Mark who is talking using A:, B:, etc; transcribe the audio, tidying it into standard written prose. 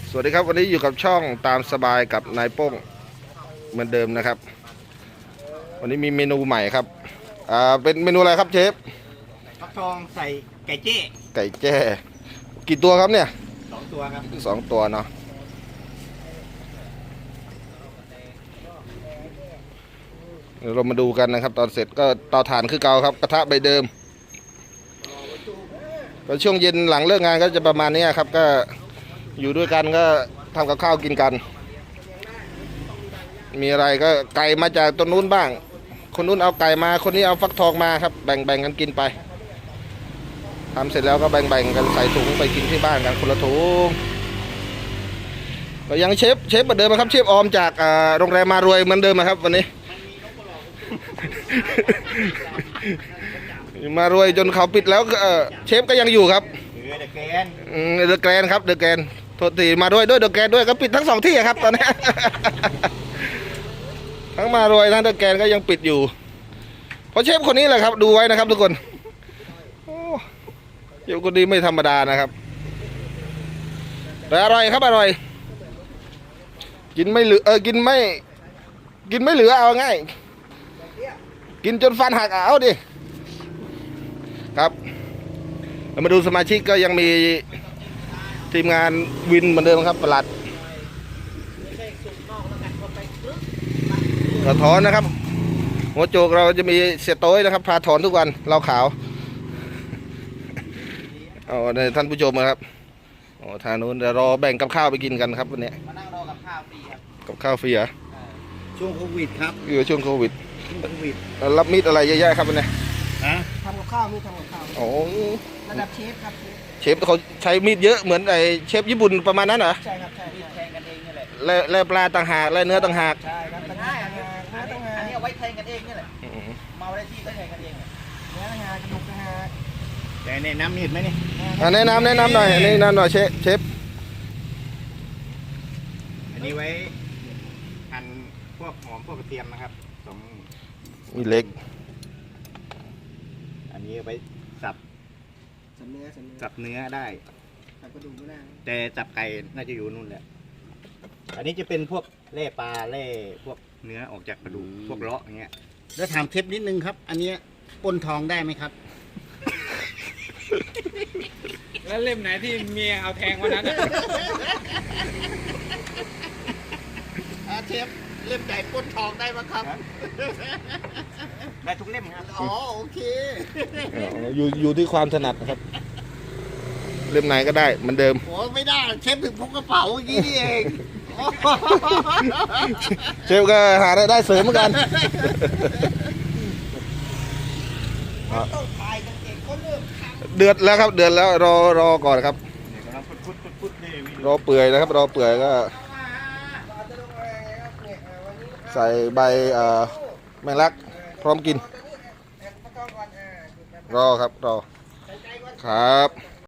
A: สวัสดีครับวันนี้อยู่กับช่องตามสบายกับนายโป้งเหมือนเดิมนะครับวันนี้มีเมนูใหม่ครับเป็นเมนูอะไรครับเชฟ
B: ฟักทองใส่ไก่เจ้
A: ไก่แจ้กี่ตัวครับเนี่ย
B: 2 ตัวครับ
A: 2 ตัวเนาะเดี๋ยวเรามาดูกันนะครับตอนเสร็จก็เตาถ่านคือเก่าครับกระทะใบเดิมก็ช่วงเย็นหลังเลิกงานก็จะประมาณนี้ครับก็อยู่ด้วยกันก็ทำกับข้าวกินกันมีอะไรก็ไก่มาจากต้นนู้นบ้างคนนู้นเอาไก่มาคนนี้เอาฟักทองมาครับแบ่งกันกินไปทำเสร็จแล้วก็แบ่งกันใส่ถุงไปกินที่บ้านกันคนละถุงก็ยังเชฟเหมือนเดิมครับเชฟออมจากโรงแรมมารวยเหมือนเดิมครับวันนี้ มารวยจนเขาปิดแล้วเชฟก็ยังอยู่ครับ
B: เดอะแกน
A: เดอะแกรนครับเดอะแกรนโทษทีมาด้วยเดอะแกรนด้วยก็ปิดทั้ง2 ที่ครับตอนนี้ ทั้งมารวยทั้งเดอะแกรนก็ยังปิดอยู่เพราะเชฟคนนี้แหละครับดูไว้นะครับทุกคนเชฟคนนี้ไม่ธรรมดานะครับแต่อร่อยครับอร่อยกินไม่เหลือกินไม่เหลือเอาง่ายกินจนฟันหักเอาดิครับเรามาดูสมาชิกก็ยังมีทีมงานวินเหมือนเดิมครับประหลัดกระถอนนะครับหัวโจกเราจะมีเสียโต้ยนะครับพาถอนทุกวันเราขาวเอาในท่านผู้ชมนะครับโอ้ทางนู้นเดี๋ยวรอแบ่งกับข้าวไปกินกันครับวันนี้
B: มานั่งรอกับข้าวฟรีครับ
A: กับข้าวฟรีเหรอ
B: ช่วงโควิดครับ
A: อยู่ช่วงโควิดรับมีดอะไรเยอะๆครับวันนี้
B: ทำกับข้าวมีทำกับข้าว
A: โอ้
B: ระดับเชฟครับ
A: เชฟเขาใช้มีดเยอะเหมือนไอเชฟญี่ปุ่นประมาณนั้นเหรอ
B: ใช่ครับใช่แทงกันเองนี่แหละ
A: แล่ปลาต่างหากแล่เนื้อต่างหาก
B: ใช่ครับต่างหากอันนี้เอาไว้แทงกันเองนี่แหละเมาได้ที่ก็แทงกันเองเนื้อต่างหากกระดูกต่างหากแต่แนะนำมีดไหมนี่
A: แนะนำหน่อยแนะนำหน่อยเชฟ
B: อันนี้ไว้หั่นพวกหอมพวกกระเทียมนะครับ
A: มีเล็ก
B: อันนี้ไว้สับเนื้อได้แต่สับไก่น่าจะอยู่นู่นแหละอันนี้จะเป็นพวกแล่ปลาแล่พวกเนื้อออกจากกระดูกพวกเลาะอย่างเงี้ยแล้วถามเทปนิดนึงครับอันนี้ปนทองได้ไหมครับ
C: แล้วเล่มไหนที่เมียเอาแทงวันนั้น
B: เทปเล่มใหญ่ปนทองได้ไหมครับได้ทุกเล่มครับอ๋อโอเค
A: อยู่ที่ความถนัดนะครับเล่มไหนก็ได้เหมือนเดิม
B: โอ้ไม่ได้เชฟถึงพกกระเป๋าอย่างนี้นี่เอง
A: เชฟก็หารายได้เสริมเหมือนกันเดือดแล้วครับเดือดแล้วรอก่อนครับรอเปื่อยนะครับรอเปื่อยก็ใส่ใบแมงลักพร้อมกินรอครับรอครับ